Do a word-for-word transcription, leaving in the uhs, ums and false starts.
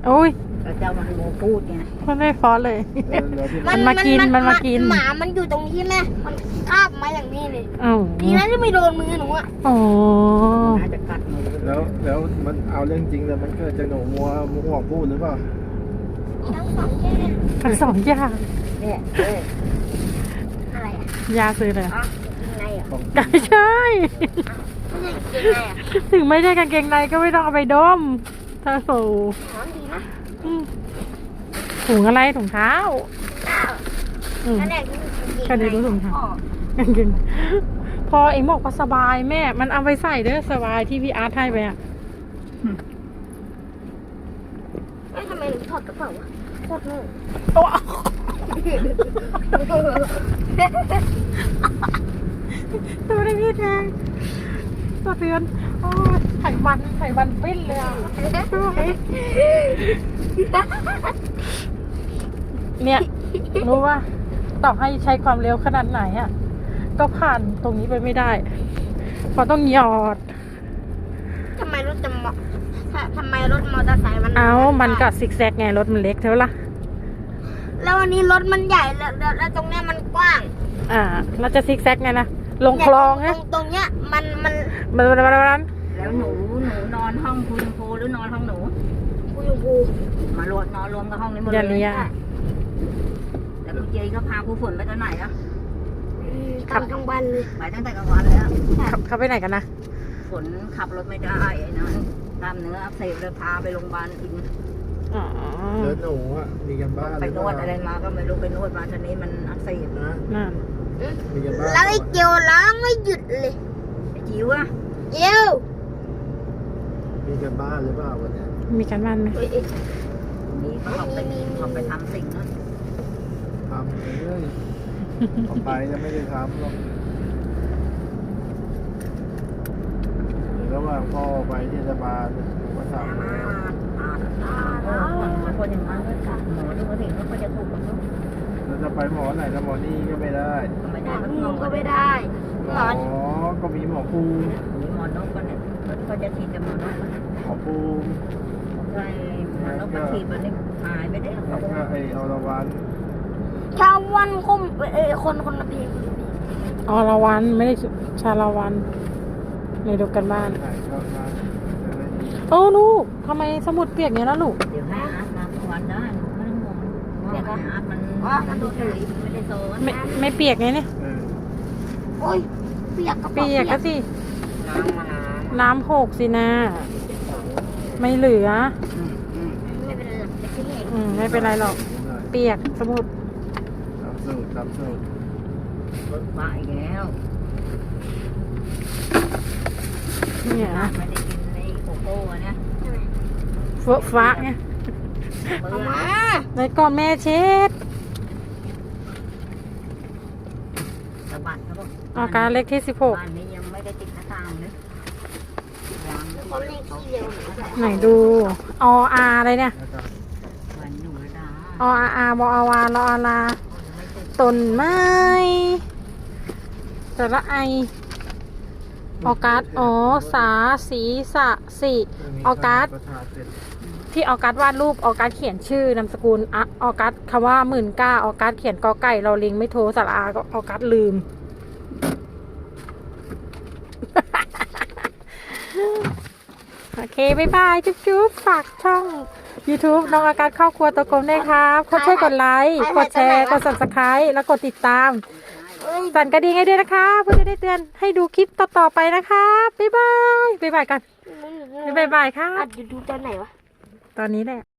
โอ้ยเราจะมาโมพูดไงมันไม่ฟอสเลย มันมากินมันมากินหมามันอยู่ตรงที่แม่มันคาบมาอย่างนี้เลยอ้าวดีนะที่ไม่โดนมือหนูอ่ะอ๋อน่าจะกัดมือแล้วแล้วมันเอาเรื่องจริงเลยมันเกิดจากหนูมัวมัวพูดหรือเปล่าทั้งสองแค่ทั้งสองอย่างเนี่ยเอ้ยอะไรอ่ะยาซื้อเลยอ๋อยังไงอ่ะของไม่ใช่ไม่ใช่ยังไงอ่ะถึงไม่ใช่กางเกงในก็ไม่ต้องเอาไปดมถ้าสูหอมดีนะอืมถุงอะไรถุงเท้าอืมนั่นแหละที่จริงๆก็เลยรู้ถุงเท้าอ๋อกางเกงพอเอ็งบอกว่าสบายแม่ มันเอาไปใส่เด้อสบายที่พี่อาร์ตให้ไปอ่ะเอ๊ะทำไมหนูถอดกระเป๋าวะโคตรโง่โอ้ตัวได้พี่แทงสะเทือนโอ้ยไขมันไขมันปิ้นเลยอ่ะเนี่ยรู้ว่าต่อให้ใช้ความเร็วขนาดไหนอ่ะ ก็ผ่านตรงนี้ไปไม่ได้เพราะต้องหยอดทำไมรถจะมอทำไมรถมอเตอร์ไซค์มันเอามันก็ซิกแซกไงรถมันเล็กเท่าล่ะแล้ววันนี้รถมันใหญ่แล้วแล้วแล้วตรงเนี้ยมันกว้างอ่าเราจะซิกแซกไงนะลงคลองเนี่ฮะยตรงตรงเนี้ยมันมันมันมันมันมันแล้วหนูหนูนอนห้องคุณครูหรือนอนห้องหนูกูอยู่กูมารวมนอนรวมกับห้องนี้หมดอย่าเลยเลียแต่คุณเจก็พาครูฝนไปตอนไหนอะกลับกลางวันเลยไปตั้งแต่กลางวันแล้วขับเข้าไปไหนกันนะฝนขับรถไม่ได้ไอ้นั้นกล้ามเนื้ออักเสบเลยพาไปโรงพยาบาลอินอ๋อแล้วหนูอ่ะมีกันบ้านไปหรือน เปวดล่าอะไรมาก็ไม่รู้ไปนวดมาตอนนี้มันอักเสบนะนั่นมีกันบ้านแล้วไอ้เกียวล้างไม่หยุดเลยไอ้จิ๋วอะเกียวมีกันบ้านหรือเปล่าวันเนี้ยมีการบ้านไหมเอ้ยเอ้ยนี่เขาออกไปเขาไปทำสิ่งนั้นทำไปเรื่อยออกไปจะไม่ได้ทำหรอกระหว่างพ่อไปเทศบาลผมก็ทำแล้วคนอย่างนั้นก็จับหมอดูมาถึงก็จะถูกกับลูกเราจะไปหมอไหนกับหมอนี่ก็ไม่ได้ก็ไม่หมได้อมันนี่งงก็ก็ไม่ไม่ได้ได้หมอก็มีหมอภูมิหมอนกก็เนี่ยก็จะฉีดแต่หมอนกหมอภูมิใช่หมอนกมันฉีดมันนี่หายไปได้แล้วก็ไออรวันชาววันคมเอ้ยคนคนละเพลงอรวันไม่ได้ชาลาวันในดูกันบ้านไหนก็มาจะได้ดีโอ้ลูกทำไมสมุดเปียกเนี้ยแล้วลูกเดี๋ยวให้อาร์ตมาทุกวันได้ไม่ต้องห่วงว่าอาร์ตมันมันดูเฉยไม่ได้โซนไม่ไม่เปียกไงเนี่ยเออโอ้ยเปียกกระเปีเป๋ายกก็สิน้ำมาน้น้ำหกสินะไม่เหลือำไม่เป็นไรหรอกจะขึ้นเองอืมไม่เป็นไรหรอก เปียกสมุดตามสูตรตามสูตรรถมาอีกแล้วเนี่ยนะไม่ได้กินในโกโก้เนี่ยเฟื่อฟ้าไงเบื่เอาอมาในก่อนแม่เช็ดสะบัดเขาบอกอาการเล็กที่สิบหกบ้านนี้ยังไม่ได้ติดหน้าต่างเลยยางเขาเรียกขี้เร็วหนูจะไหนดูออาอะไรเนี่ยแล้วก็วันหนูดาออาอาบออาวาลออาลาต้นไม้แต่ละไอออกัสอ๋อสาสีสะสิออกัสประชาเสร็จที่ออกัสวาดรูปออกัสเขียนชื่อนามสกุลอะออกัสคำว่าหมื่นเก้าออกัสเขียนกอไก่เราลิงไม่โทรสระอาก็ออกัสลืม โอเคบ๊ายบายจุ๊บจุ๊บฝากช่อง YouTube น้องออกัสครอบครัวตัวกลมด้วยครับกดช่วยกดไลค์กดแชร์กด ซับสไครบ์แล้วกดติดตามเอ้ยสั่นกระดิ่งให้ด้วยนะคะเพื่อจะได้เตือนให้ดูคลิปต่อๆไปนะคะบ๊ายบายบ๊ายบายกันบ๊ายบายครัอับดอยู่ดูตอนไหนวะตอนนี้แหละ